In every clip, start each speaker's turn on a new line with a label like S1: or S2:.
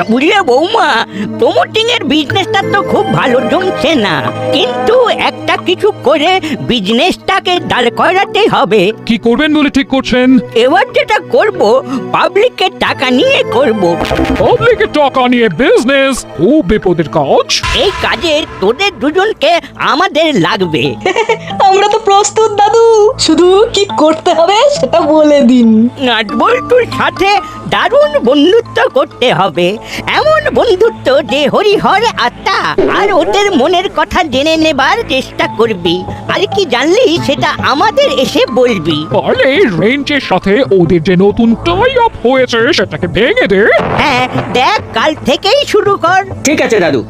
S1: বুঝলে বৌমা, প্রমোটিং এর বিজনেসটা তো খুব ভালো জমছে না, কিন্তু একটা কিছু করে বিজনেসটাকে দাঁড় করাতে হবে।
S2: কি করবেন বলে ঠিক করছেন?
S1: এবার যেটা করব, পাবলিকের টাকা নিয়ে করব।
S2: পাবলিকের টাকা নিয়ে বিজনেস? ও বিপদের কাজ।
S1: এই কাজে তোদের দুজনকে আমাদের লাগবে।
S3: আমরা তো প্রস্তুত দাদু, শুধু কি করতে হবে সেটা বলে দিন।
S1: নাটবল্টুর সাথে দারুণ বন্ধুত্ব করতে হবে, এমন বন্ধুত্ব যে হরিহর আত্মা, আর ওদের মনের কথা জেনে নেবার চেষ্টা করবি, আর কি জানলি সেটা আমাদের এসে বলবি।
S2: পারলে রেঞ্জের সাথে ওদের যে নতুন টাই আপ হয়েছে সেটাকে ভেঙে দে।
S1: হ্যাঁ দেখ, কাল থেকেই শুরু কর।
S4: ঠিক আছে দাদু।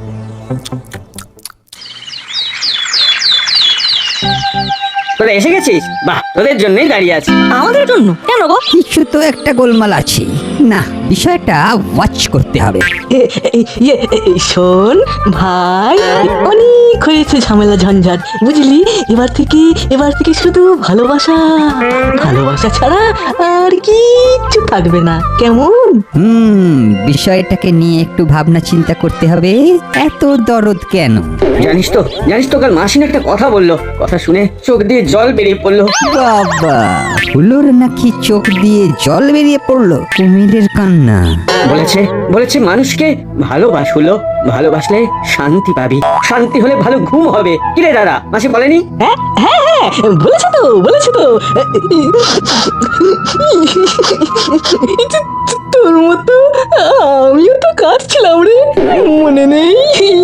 S4: তোরা এসে গেছিস? বাহ, তোদের জন্যই দাঁড়িয়ে আছি।
S3: আমাদের জন্য কেন গো?
S5: কিছু তো একটা গোলমাল আছে, না বিষয়টা ওয়াচ করতে হবে।
S3: শোন ভাই, অনেক হয়েছে ঝামেলা ঝঞ্ঝাট, বুঝলি? এবার থেকে শুধু ভালোবাসা, ভালোবাসা ছাড়া আর কিচ্ছু থাকবে না, কেমন?
S5: বিষয়টাকে নিয়ে একটু ভাবনা চিন্তা করতে হবে। এত দরদ কেন?
S4: জানিস তো কাল মাসিন একটা কথা বললো, কথা শুনে চোখ দিয়ে জল বেরিয়ে পড়লো।
S5: বাবা, হুলোর নাকি চোখ দিয়ে জল বেরিয়ে পড়লো? কুমিরের কান্না।
S4: বলেছে মানুষকে ভালোবাস, হলো ভালোবাসলে শান্তি পাবি, শান্তি হলে ভালো ঘুম হবে। কিরে দাদা, মাসি বলেনি?
S3: হ্যাঁ হ্যাঁ হ্যাঁ, বলেছে তো। তোর মতো আমিও তো কাঁদছিলাম রে, মনে নেই?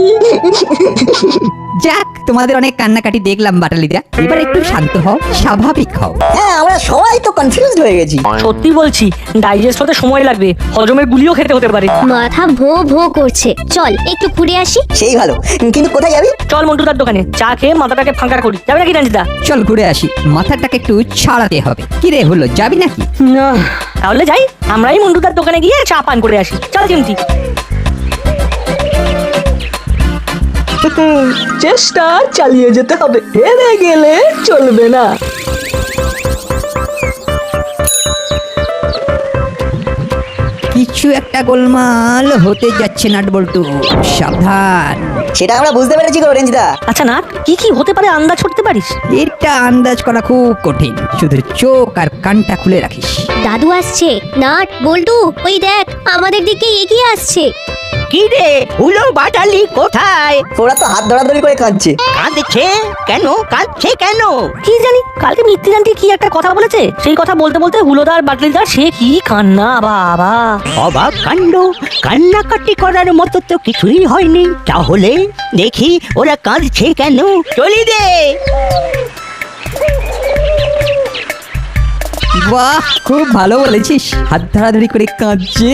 S5: যাক, তোমাদের অনেক কান্নাকাটি দেখলাম বাটালিদা, এবার একটু শান্ত হও, স্বাভাবিক হও।
S6: হ্যাঁ, আমরা সবাই তো কনফিউজড হয়ে গেছি।
S3: সত্যি বলছি, ডাইজেস্ট হতে সময় লাগবে, হজমের গুলিও খেতে হতে পারে।
S7: মাথা ভো ভো করছে, চল একটু ঘুরে আসি।
S6: সেই ভালো, কিন্তু কোথায় যাবি?
S3: চল মন্টুদার দোকানে চা খেয়ে মাথাটাকে ফাঁকা করি, যাবে নাকি রঞ্জিতা?
S5: চল ঘুরে আসি, মাথাটাকে একটু ছাড়াতে হবে। কি রে হলো, যাবি নাকি?
S4: না,
S3: তাহলে যাই, আমরাই মন্টুদার দোকানে গিয়ে চা পান করে আসি। চল চিমটি। চেষ্টা চালিয়ে যেতে হবে, হেরে গেলে চলবে না।
S5: কিছু একটা গোলমাল হতে যাচ্ছে নাটবল্টু, সাবধান।
S6: সেটা আমরা বুঝতে পেরেছি গো রেঞ্জদা।
S3: আচ্ছা না, কি কি হতে পারে আন্দাজ করতে পারিস?
S5: এটা আন্দাজ করা খুব কঠিন, শুধু চোখ আর কানটা খুলে রাখিস।
S7: দাদু আসছে, নাট বল্টু ওই দেখ আমাদের দিকে এগিয়ে আসছে।
S1: কি রে হুলো, বাটালি কোথায়?
S6: ওরা তো হাত ধরাধরি করে কাঁদছে।
S1: কাঁদছে কেন?
S3: কি জানি, কালকে মিত্তি জানতে কি একটা কথা বলেছে, সেই কথা বলতে বলতে হুলোদার বাটলিদার সে কি কান্না বাবা।
S1: অবাক কাণ্ড, কান্নাকাটি করার মতো তো কিছুই হয়নি। তাহলে দেখি ওরা কাঁদছে কেন। চলি দে।
S5: বাহ, খুব ভালো বলেছিস, হাত ধরাধরি করে কাঁদছে।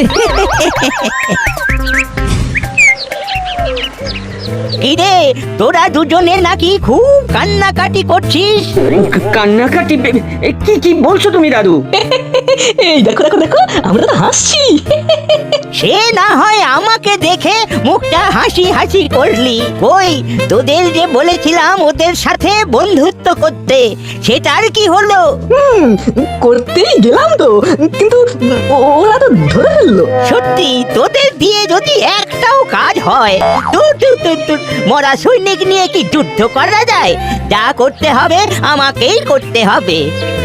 S1: কিরে, তোরা দুজনে নাকি খুব কান্নাকাটি করছিস?
S4: কান্নাকাটি? কি বলছো তুমি দাদু?
S3: এই দেখো, আমরা তো হাসছি।
S1: সে না হয় আমাকে দেখে মুখটা হাসি হাসি করলি, কই তোদের যে বলেছিলাম ওদের সাথে বন্ধুত্ব করতে, সেটার কি হলো?
S3: করতেই গেলাম তো, কিন্তু ওরা তো ধরে ফেললো।
S1: সত্যি তোদের দিয়ে যদি একটাও কাজ হয়, তুই মরা সৈনিক নিয়ে কি যুদ্ধ করা যায়? যা করতে হবে আমাকেই করতে হবে।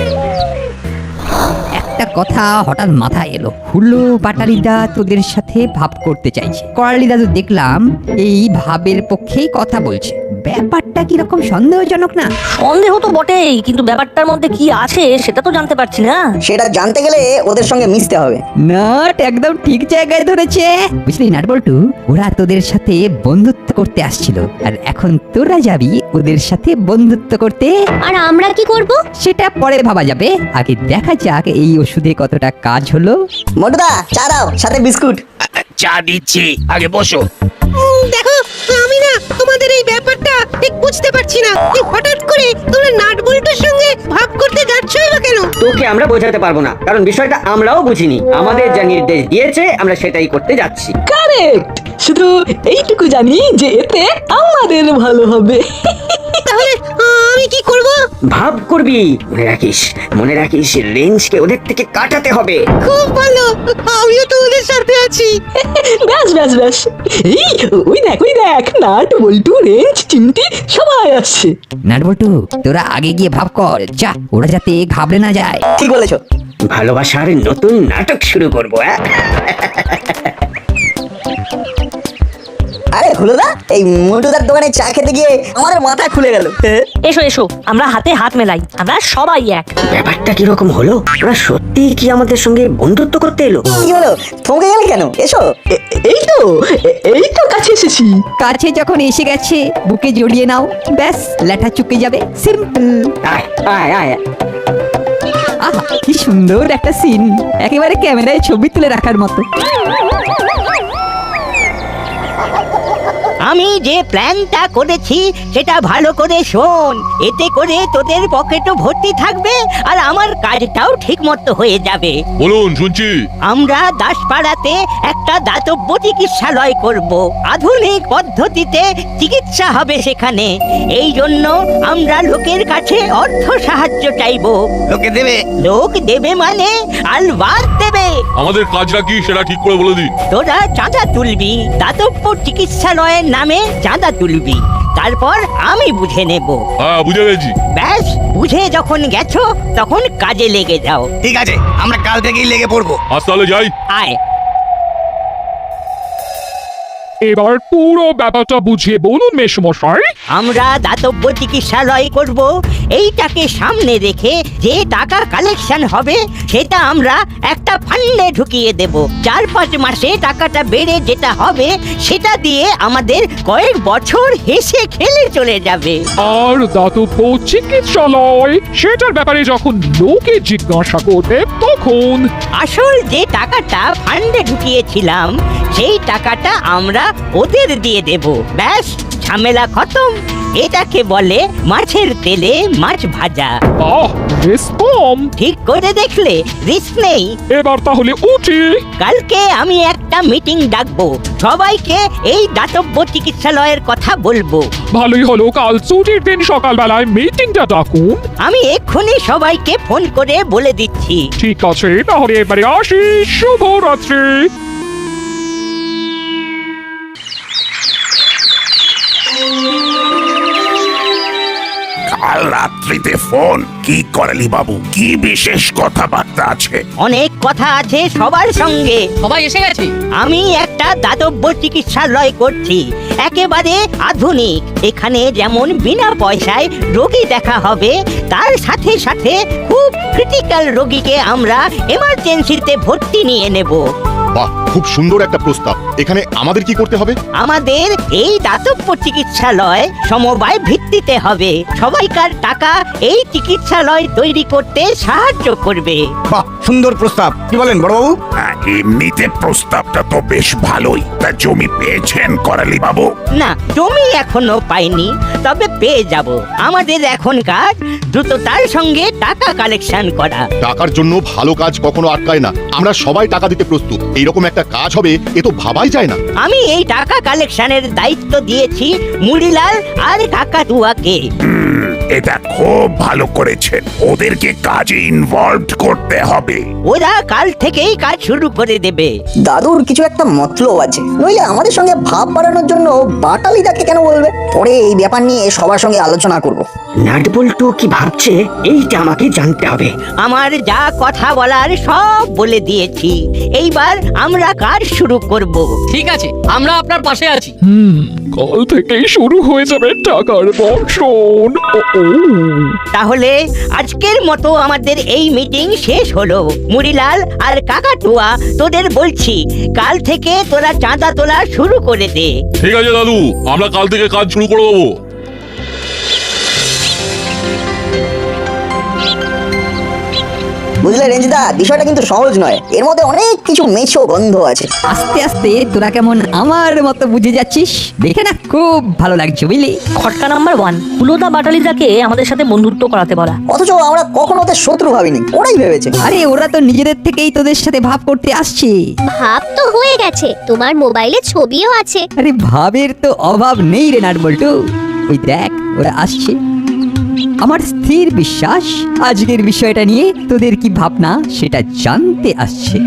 S5: একটা কথা হঠাৎ মাথায় এলো, হুলো বাটালিদা তোদের সাথে ভাব করতে চাইছে। করালিদা তো দেখলাম এই ভাবের পক্ষেই কথা বলছে। ব্যাপারটা কিরকম সন্দেহজনক না?
S3: সন্দেহ তো বটেই, কিন্তু ব্যাপারটার মধ্যে কি আছে সেটা তো জানতে পারছি না।
S6: সেটা জানতে গেলে ওদের সঙ্গে মিশতে হবে।
S5: নাট একদম ঠিক জায়গায় ধরেছে, বুঝলি নাটবল্টু? ওরা তোদের সাথে বন্ধুত্ব করতে আসছিল, আর এখন তোরা যাবি ওদের সাথে বন্ধুত্ব করতে।
S7: আর আমরা কি করব?
S5: সেটা পরে ভাবা যাবে, আগে দেখা যাক এই ওষুধে কতটা কাজ হলো।
S6: মোটুদা, চা দাও, সাথে বিস্কুট।
S8: চা দিচ্ছি, আগে বসো।
S9: দেখো, আমি না তোমাদের এই ব্যাপারটা ঠিক বুঝতে পারছি না, হঠাৎ করে তোমরা নাটবল্টুর সঙ্গে ভাব করতে যাচ্ছই বা কেন?
S4: তোকে আমরা বোঝাতে পারবো না, কারণ বিষয়টা আমরাও বুঝিনি। আমাদের যা নির্দেশ দিয়েছে আমরা সেটাই করতে যাচ্ছি।
S3: কারেক্ট, শুধু এইটুকু জানি যে এতে আমাদের ভালো হবে।
S9: তাহলে আমি কি করব?
S4: ভাব করবি, মনে রাখিস রেঞ্জকে ওদের থেকে কাটাতে হবে।
S9: খুব ভালো, আমিও তো ওদের সাথে আছি।
S3: ব্যাস ব্যাস ব্যাস, এই ওই দেখ নাট বল্টু রেঞ্জ চিমটি সবাই আসছে।
S5: নাটবল্টু তোরা আগে গিয়ে ভাব কর, যা, ওরা যাতে ঘাবড়ে না যায়।
S6: ঠিক বলেছো।
S4: ভালোবাসার নতুন নাটক শুরু করবো।
S6: আরে হলুদা, এই মুটুদার দোকানে চা খেতে গিয়ে আমার মাথা খুলে গেল।
S10: এসো এসো, আমরা হাতে হাত মেলাই, আমরা সবাই এক।
S4: ব্যাপারটা কিরকম হলো? ওরা সত্যি কি আমাদের সঙ্গে বন্ধুত্ব করতে এলো?
S6: কি হলো, থমকে গেলে কেন? এসো।
S3: এই তো কাছে এসেছি।
S5: কাছে যখন এসে গেছে বুকে জড়িয়ে নাও, ব্যাস ল্যাঠা চুকে যাবে, সিম্পল।
S4: আয় আয় আয়।
S5: আহা কি সুন্দর একটা সিন, একেবারে ক্যামেরায় ছবি তুলে রাখার মতো।
S1: আমি যে প্ল্যানটা করেছি সেটা ভালো করে শোন। এতে করে তোদের পকেটও ভর্তি থাকবে আর আমার কাজটাও ঠিক মতো হয়ে যাবে।
S2: বলুন, শুনছি।
S1: আমরা দাসপাড়াতে একটা দাতব্য চিকিৎসালয় করব। আধুনিক পদ্ধতিতে চিকিৎসা হবে সেখানে। এই জন্য আমরা লোকের কাছে অর্থ সাহায্য চাইবো।
S8: লোকে দেবে?
S1: লোক দেবে মানে আলবাদ দেবে।
S2: আমাদের কাজটা কি সেটা ঠিক করে বলে দিন।
S1: তোরা চাঁদা তুলবি, দাতব্য চিকিৎসালয়ের নামে চাঁদা তুলবি, তারপর আমি বুঝে নেব।
S2: হ্যাঁ, বুঝে গেছি।
S1: ব্যাস, বুঝে যখন গেছো তখন কাজে লেগে যাও।
S8: ঠিক আছে, আমরা কাল থেকেই লেগে পড়বো।
S2: আজ তাহলে যাই।
S1: আয়।
S2: এবার পুরো ব্যাপারটা বুঝিয়ে বলুন মেশমশাই।
S1: আমরা দাতব্য চিকিৎসালয় করব। এইটাকে সামনে রেখে যে টাকা কালেকশন হবে সেটা আমরা একটা ফান্ডে ঢুকিয়ে দেব। 4-5 মাসে টাকাটা বেড়ে যেটা হবে সেটা দিয়ে আমাদের কয়েক বছর হেসে খেলে চলে যাবে।
S2: আর দাতব্য চিকিৎসালয় সেটার ব্যাপারে যখন লোকে জিজ্ঞাসা করবে তখন
S1: আসল যে টাকাটা ফান্ডে ঢুকিয়েছিলাম সেই টাকাটা আমরা ওদের দিয়ে দেব। ব্যাস, ঝামেলা খতম। এটাকে বলে মাছের তেলে মাছ ভাজা।
S2: রিস্ক কম।
S1: ঠিক করে দেখলে রিস্ক নেই।
S2: এবার তাহলে উঠি।
S1: কালকে আমি একটা মিটিং ডাকবো, সবাইকে এই দাতব্য চিকিৎসালয়ের কথা বলবো।
S2: ভালোই হলো, কাল ছুটির দিন সকালবেলায় মিটিংটা ডাকুন।
S1: আমি এক্ষুনি সবাইকে ফোন করে বলে দিচ্ছি।
S2: ঠিক আছে, তাহলে এবারে আসি। শুভরাত্রি।
S8: কাল রাত্রিতে ফোন কি করালি বাবু? কি বিশেষ কথাবার্তা আছে?
S1: অনেক কথা আছে সবার সঙ্গে।
S10: সবাই এসে গেছে।
S1: আমি একটা দাতব্য চিকিৎসালয় করছি, একেবারে আধুনিক। এখানে যেমন বিনা পয়সায় রোগী দেখা হবে, তার সাথে সাথে খুব ক্রিটিক্যাল রোগীকে আমরা এমার্জেন্সিতে ভর্তি নিয়ে নেব।
S11: বাহ, খুব সুন্দর একটা প্রস্তাব। এখানে আমাদের কি করতে হবে?
S1: আমাদের এই দাতব্য চিকিৎসালয় সমবায় ভিত্তিতে হবে। সবাইকার টাকা এই চিকিৎসালয় তৈরি করতে সাহায্য করবে।
S8: বাহ, সুন্দর প্রস্তাব। কি বলেন বড়বাবু? এমনিতে প্রস্তাবটা তো বেশ ভালোই। তা জমি পেয়েছেন করালি বাবু?
S1: না, জমি এখনো পাইনি, তবে পেয়ে যাব। আমাদের এখন কাজ দ্রুততার সঙ্গে টাকা কালেকশন করা।
S11: টাকার জন্য ভালো কাজ কখনো আটকায় না। আমরা সবাই টাকা দিতে প্রস্তুত। এইরকম একটা কাজ হবে এ তো ভাবাই যায় না।
S1: আমি এই টাকা কালেকশনের দায়িত্ব দিয়েছি মুড়িলাল আর কাকাতুয়াকে।
S8: এটা খুব ভালো করেছেন। ওদেরকে কাজে ইনভলভড করতে হবে।
S1: ওরা কাল থেকেই কাজ শুরু করে দেবে।
S6: দাদুর কিছু একটা মতলব আছে, নইলে আমাদের সঙ্গে ভাব বাড়ানোর জন্য বাটালিদাকে কেন বলবে? পরে এই ব্যাপার নিয়ে সবার সঙ্গে আলোচনা করব।
S4: নাটবল্টু কি ভাবছে এইটা আমাকে জানতে হবে।
S1: আমার যা কথা বলার সব বলে দিয়েছি। এইবার আমরা কাজ শুরু করব।
S10: ঠিক আছে, আমরা আপনার পাশে আছি।
S2: কাল থেকেই শুরু হয়ে যাবে টাকার বর্ষণ।
S1: তাহলে আজকের মতো আমাদের এই মিটিং শেষ হলো। মুড়িলাল আর কাকাতুয়া, তোদের বলছি কাল থেকে তোরা চাঁদা তোলা শুরু করে দে।
S2: ঠিক আছে দাদু, আমরা কাল থেকে কাজ শুরু করে দেবো।
S6: বুঝলে রেঞ্জদা, বিষয়টা কিন্তু সহজ নয়। এর মধ্যে অনেক কিছু মেছো গন্ধ আছে।
S5: আস্তে আস্তে তোরা কেমন আমার মতো বুঝে যাচ্ছিস, দেখে না খুব ভালো লাগছে বুঝলি।
S10: খটকা নাম্বার 1, হুলোদা বাটালিদাকে আমাদের সাথে বন্ধুত্ব করাতে বলা।
S6: অথচ আমরা কখনো ওদের শত্রু ভাবিনি, ওরাই ভেবেছে।
S5: আরে ওরা তো নিজেদের থেকেই তোদের সাথে ভাব করতে আসছে।
S7: ভাব তো হয়ে গেছে, তোমার মোবাইলে ছবিও আছে।
S5: আরে ভাবের তো অভাব নেই রে নাটবল্টু। ওই দেখ ওরা আসছে। আমার স্থির বিশ্বাস আজকের বিষয়টা নিয়ে তোদের কি ভাবনা সেটা জানতে আসছে।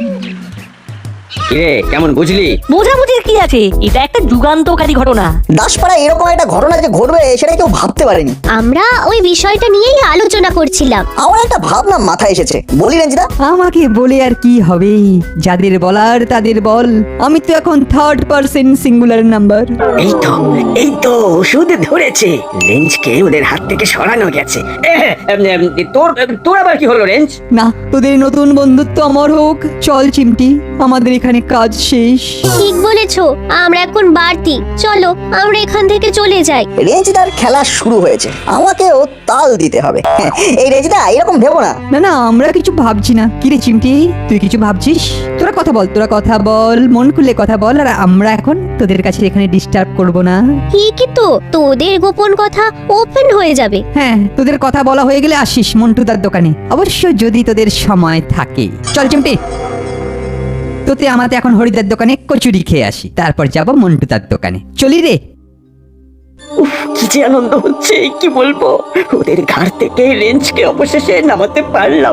S4: কিরে কেমন বুঝলি?
S10: বোঝাবুঝির কি আছে, এটা একটা যুগান্তকারী ঘটনা।
S6: দাসপাড়া এরকম একটা ঘটনা যে ঘটবে সেটা কেউ ভাবতে পারেনি।
S7: আমরা ওই বিষয়টা নিয়েই আলোচনা করছিলাম।
S6: আমার একটা ভাবনা মাথায় এসেছে, বলি রেঞ্জিদা?
S5: আমাকে বলে আর কি হবে, যাদের বলার তাদের বল। আমি তো এখন থার্ড পারসন সিঙ্গুলার নাম্বার।
S4: এই তো ওষুধ ধরেছে। রেঞ্জকে ওদের হাত থেকে সরানো গেছে। তোর আবার কি হলো রেঞ্জ?
S5: না, তোদের নতুন বন্ধুত্ব অমর হোক। চল চিমটি, আমাদের এখানে কাজ শেষ।
S7: ঠিক বলেছো, আমরা এখন বাড়তি। চলো আমরা এখান থেকে চলে যাই।
S6: রেঞ্জিদার খেলা শুরু হয়েছে, আমাকেও তাল দিতে হবে। এই রেঞ্জিদা এরকম ভেবো না।
S5: না না, আমরা কিছু ভাবছি না। কি রে চিমটি, তুই কিছু ভাবছিস? তোরা কথা বল, মন খুলে কথা বল। আর আমরা এখন তোদের কাছে এখানে ডিস্টার্ব করব না।
S7: ঠিকই তো, তোদের গোপন কথা ওপেন হয়ে যাবে।
S5: হ্যাঁ, তোদের কথা বলা হয়ে গেলে আসিস মন্টুদার দোকানে, অবশ্য যদি তোদের সময় থাকে। চল চিমটি, তোতে আমাতে এখন হরিদার দোকানে কচুরি খেয়ে আসি, তারপর যাব মন্টুদার দোকানে। চলি রে।
S4: কি যে আনন্দ হচ্ছে কি বলবো। ওদের ঘাড় থেকে রেঞ্জকে অবশেষে নামাতে পারলাম।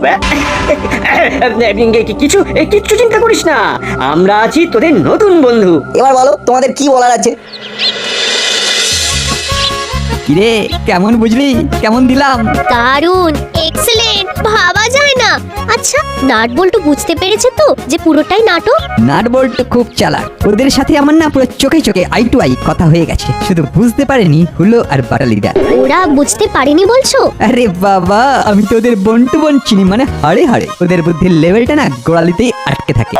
S4: কিচ্ছু চিন্তা করিস না, আমরা আছি তোদের নতুন বন্ধু।
S6: এবার বলো তোমাদের কি বলার আছে।
S5: কিরে কেমন বুঝলি, কেমন দিলাম?
S7: দারুণ, এক্সেলেন্ট, ভাবা যায় না। আচ্ছা, নাট বল্টু বুঝতে পেরেছে তো যে পুরোটাই নাটক?
S5: নাট বল্টু খুব চালাক, ওদের সাথে আমার না পুরো চোখে চোখে আই টু আই কথা হয়ে গেছে। শুধু বুঝতে পারেনি হুলো আর বাটালিদা।
S7: ওরা বুঝতে পারেনি বলছো?
S5: আরে বাবা, আমি তো ওদের বন্টু বোন চিনি, মানে হাড়ে হাড়ে। ওদের বুদ্ধির লেভেলটা না গোড়ালিতেই আটকে থাকে।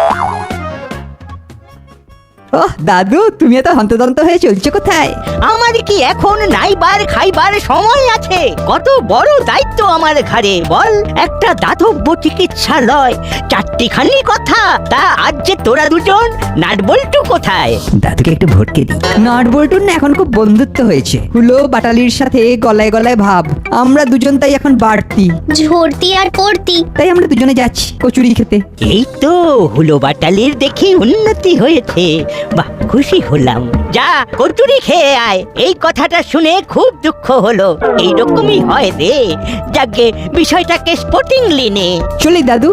S5: ওহ দাদু, তুমি এত হন্তদন্ত হয়ে চলছো কোথায়?
S1: আমার কি এখন নাইবার খাইবার সময় আছে? কত বড় দায়িত্ব আমার ঘাড়ে বল। একটা দাতব্য চিকিৎসালয়, চারটিখানি কথা। তা আজ যে তোরা দুজন, নাটবল্টু কোথায়?
S5: দাদুকে একটু ভটকে দিই। নাট বল্টুর না এখন খুব বন্ধুত্ব হয়েছে। হুলো বাটালির সাথে গলায় গলায় ভাব। আমরা দুজন তাই এখন বাড়তি।
S7: ঝরতি আর পড়তি।
S5: তাই আমরা দুজনে যাচ্ছি কচুরি খেতে।
S1: এই তো হুলো বাটালির দেখি উন্নতি হয়েছে। বাহ, খুশি হলাম। যা কচুরি খেয়ে আয়। এই কথাটা শুনে খুব দুঃখ হলো। এইরকমই হয় রে। যাকে বিষয়টাকে স্পোর্টিংলি নে।
S5: চলি দাদু।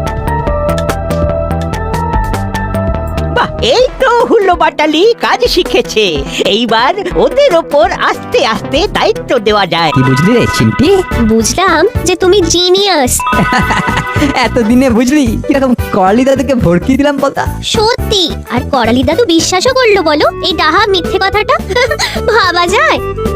S1: বাহ, এই তো হুলো বাটালি কাজ শিখেছে। এইবার ওদের ওপর আস্তে আস্তে দায়িত্ব দেওয়া যায়।
S5: কি বুঝলি রে চিমটি?
S7: বুঝলাম যে তুমি জিনিয়াস।
S5: এতদিনে বুঝলি কিরকম করালি দাদুকে ভড়কি দিলাম বলতা?
S7: সত্যি, আর করালি দাদু বিশ্বাসও করলো বলো এই ডাহা মিথ্যে কথাটা? ভাবা যায়?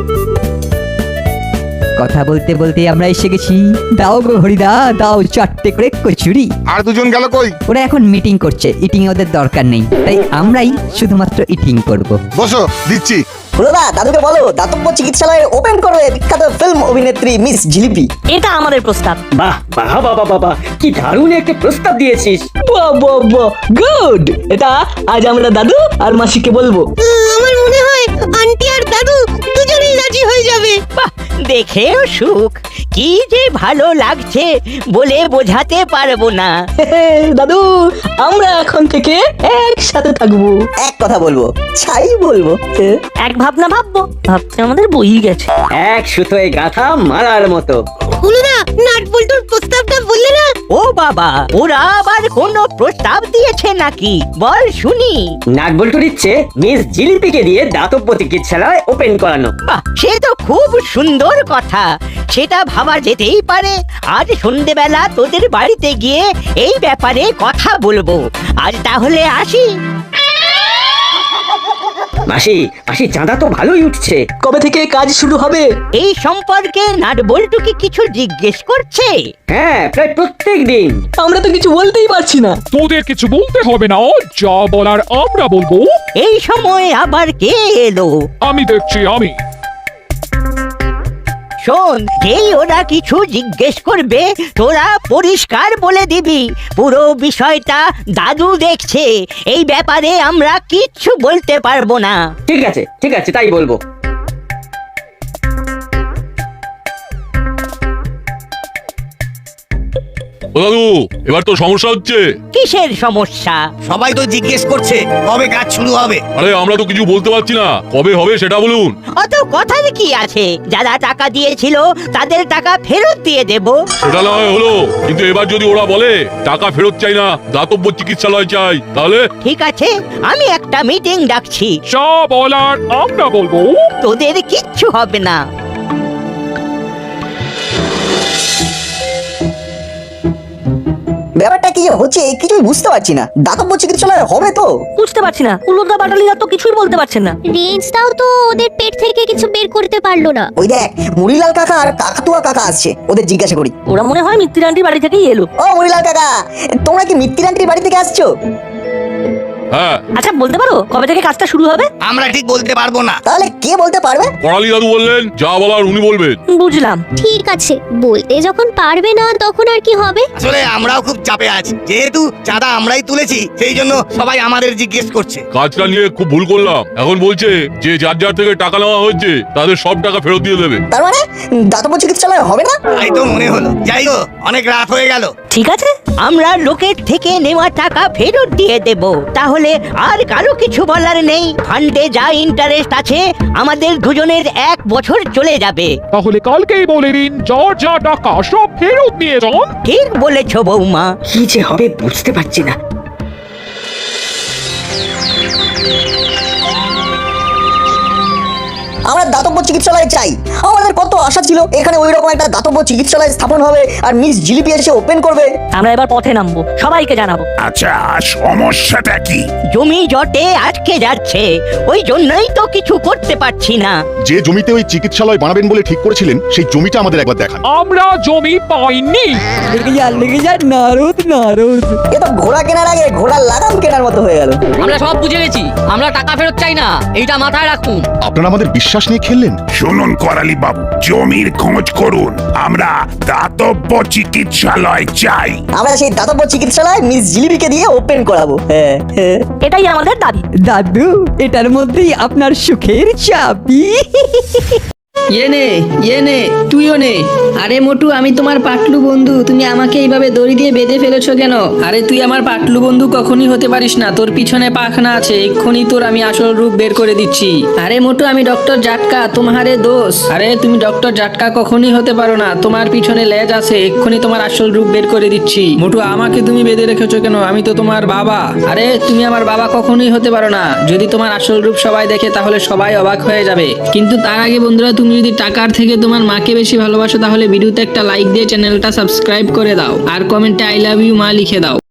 S5: কথা বলতে বলতে আমরা এসে গেছি। দাও গো হরিদা, দাও চারটে করে কচুরি।
S8: আর দুজন গেল কই?
S5: ওরা এখন মিটিং করছে, ইটিং ওদের দরকার নেই, তাই আমরাই শুধুমাত্র ইটিং করব।
S8: বসো, দিচ্ছি।
S6: হুলোদা, দাদুকে বলো দাতব্য চিকিৎসালয়ে ওপেন করবে বিখ্যাত ফিল্ম অভিনেত্রী মিস জিলিপি।
S10: এটা আমাদের প্রস্তাব।
S4: বাহ বাহ বাবা বাবা, কি দারুণ একটা প্রস্তাব দিয়েছিস।
S3: গুড। এটা আজ আমরা দাদু আর মাসিকে বলবো।
S9: আমার মনে হয় আন্টি আর দাদু দুজনেই রাজি হয়ে যাবে।
S1: বাহ, দেখেও সুখ। কি যে ভালো লাগছে বলে বোঝাতে পারবো না।
S3: দাদু, আমরা এখন থেকে একসাথে থাকবো।
S6: এক কথা বলবো, ছাই বলবো।
S10: এক ভাবনা ভাববো, ভাবতে আমাদের বই গেছে।
S4: এক সুতোয় গাথা মারার মতো।
S9: হুলোদা, নাট বল্টুর প্রস্তাবটা বললে না?
S1: ও বাবা, ওরা আবার কোনো প্রস্তাব দিয়েছে নাকি? বল শুনি।
S4: নাটবল্টু দিচ্ছে মিস জিলিপিকে দিয়ে দাতব্য চিকিৎসালয় ওপেন করানো।
S1: বাহ, সে তো খুব সুন্দর কথা। সেটা ভাবা যেতেই পারে। আজ সন্ধ্যেবেলা তোদের বাড়িতে গিয়ে এই ব্যাপারে কথা বলবো। আজ তাহলে আসি।
S4: মাসি মাসি, চাঁদা তো ভালোই উঠছে।
S3: কবে থেকে কাজ শুরু হবে?
S1: এই সম্পর্কে নাটবল্টুকে কিছু জিজ্ঞেস করছে?
S4: হ্যাঁ, প্রায় প্রত্যেক দিন।
S3: আমরা তো কিছু বলতেই পারছি না।
S2: তোদের কিছু বলতে হবে না, যা বলার আমরা বলবো।
S1: এই সময় আবার কে এলো?
S2: আমি দেখছি। আমি
S1: শোন, যেই ওরা কিছু জিজ্ঞেস করবে তোরা পরিষ্কার বলে দিবি পুরো বিষয়টা দাদু দেখছে। এই ব্যাপারে আমরা কিচ্ছু বলতে পারবো না।
S4: ঠিক আছে ঠিক আছে, তাই বলবো।
S12: ও দাদু, এবার তো সমস্যা হচ্ছে।
S1: কিসের সমস্যা?
S8: সবাই তো জিজ্ঞেস করছে কবে কাজ শুরু হবে।
S12: আরে আমরা তো কিছু বলতে পারছি না, কবে হবে সেটা বলুন।
S1: অত কথার কি আছে? যারা টাকা দিয়েছিল তাদের টাকা ফেরত দিয়ে দেব।
S12: সেটা না হয় হলো, কিন্তু এবার যদি ওরা বলে টাকা ফেরত চাই না, দাতব্য চিকিৎসালয় চাই, তাহলে?
S1: ঠিক আছে, আমি একটা মিটিং ডাকছি।
S2: যা বলার আমরা বলবো।
S1: তোদের কিচ্ছু হবে না।
S6: ব্যাপারটা কি যে হচ্ছে কিছুই বুঝতে পারছি না। দাতব্য চিকিৎসালয় হবে তো?
S10: বুঝতে পারছি না, কুলোদা বাটালিরা তো কিছুই বলতে পারছেন না।
S7: রেঞ্জটাও তো ওদের পেট থেকে কিছু বের করতে পারলো না।
S6: ওই দেখ, মুড়িলাল কাকা আর কাকাতুয়া কাকা আসছে, ওদের জিজ্ঞাসা করি।
S10: ওরা মনে হয় মিত্তির আন্টির বাড়ি থেকেই এলো।
S6: ও মুড়িলাল কাকা, তোমরা কি মিত্তির আন্টির বাড়ি থেকে আসছো?
S12: হ্যাঁ।
S10: আচ্ছা বলতে পারো কবে থেকে কাজটা শুরু হবে?
S8: আমরা ঠিক বলতে পারবো না।
S6: তাহলে কে বলতে পারবে?
S12: করালি দাদু বললেন যা বলার উনি বলবেন।
S10: বুঝলাম।
S7: ঠিক আছে, বলতে যখন পারবে না তখন আর কি হবে?
S8: আসলে আমরাও খুব চাপে আছি, যেহেতু চাঁদা আমরাই তুলেছি, সেই জন্য সবাই আমাদের জিজ্ঞেস করছে।
S12: কাজটা নিয়ে খুব ভুল করলাম, এখন বলছে যে যার যার থেকে টাকা নেওয়া হয়েছে তাদের সব টাকা ফেরত দিয়ে দেবে।
S6: তার মানে দাতব্য চিকিৎসালয় হবে না?
S8: তাই তো মনে হলো। যাই হোক, অনেক রাত হয়ে গেল।
S10: ঠিক আছে,
S1: আমরা লোকের থেকে নেওয়া টাকা ফেরত দিয়ে দেব। তাহলে আর কারো কিছু বলার নেই। ফান্ডে যা ইন্টারেস্ট আছে আমাদের দুজনের 1 বছর চলে যাবে।
S2: তাহলে কালকেই বলে দিন যার যা টাকা সব ফেরত নিয়ে যান।
S1: ঠিক বলেছো বৌমা।
S4: কি যে হবে বুঝতে পারছি না।
S6: আমরা দাতব্য চিকিৎসালয় চাই। আমাদের কত আশা ছিল এখানে ওই রকম একটা দাতব্য চিকিৎসালয় স্থাপন হবে আর মিস জিলিপি এসে ওপেন করবে।
S10: আমরা এবার পথে নামবো, সবাইকে জানাবো।
S8: আচ্ছা, সমস্যাটা কি?
S1: জমি জটে আটকে যাচ্ছে, ওই জন্যই তো কিছু করতে পারছি না।
S11: যে জমিতে ওই চিকিৎসালয় বানাবেন বলে ঠিক করেছিলেন সেই জমিটা আমাদের একবার দেখান।
S2: আমরা জমি পাইনি।
S5: লেগে যা নারদ নারদ।
S6: এ তো ঘোড়া কেনার আগে ঘোড়ার লাগাম কেনার মতো হয়ে গেল।
S10: আমরা সব বুঝে গেছি, আমরা টাকা ফেরত চাই না, এইটা মাথায় রাখুন।
S11: আপনারা আমাদের বিশ্বাস নিয়ে খেললেন।
S8: শুনুন করালি বাবু, জমির খোঁজ করুন, আমরা দাতব্য চিকিৎসালয় চাই।
S6: আমরা সেই দাতব্য চিকিৎসালয় মিস জিলিপিকে দিয়ে ওপেন করাবো। হ্যাঁ হ্যাঁ।
S10: এটাই আমাদের দাবি।
S5: দাদু, এটার মধ্যেই আপনার সুখের চাবি।
S3: ইয়ে নে তুইও নে। আরে মোটু, আমি তোমার পাটলু বন্ধু, তুমি আমাকে এইভাবে দড়ি দিয়ে বেঁধে ফেলেছো কেন? আরে তুই আমার পাটলু বন্ধু কখনই হতে পারিস না, তোর পিছনে পাখনা আছে, এক্ষুনি তোর আমি আসল রূপ বের করে দিচ্ছি। আরে মোটু, আমি ডক্টর জাটকা, তোমারে দোষ। আরে তুমি ডক্টর জাটকা কখনই হতে পারো না, তোমার পিছনে লেজ আছে, এক্ষুনি তোমার আসল রূপ বের করে দিচ্ছি। মোটু, আমাকে তুমি বেঁধে রেখেছো কেন? আমি তো তোমার বাবা। আরে তুমি আমার বাবা কখনোই হতে পারো না, যদি তোমার আসল রূপ সবাই দেখে তাহলে সবাই অবাক হয়ে যাবে। কিন্তু তার আগে বন্ধুরা, তুমি যদি টাকার থেকে তোমার মাকে বেশি ভালোবাসো তাহলে ভিডিওতে একটা লাইক দিয়ে চ্যানেলটা সাবস্ক্রাইব করে দাও আর কমেন্টে আই লাভ ইউ মা লিখে দাও।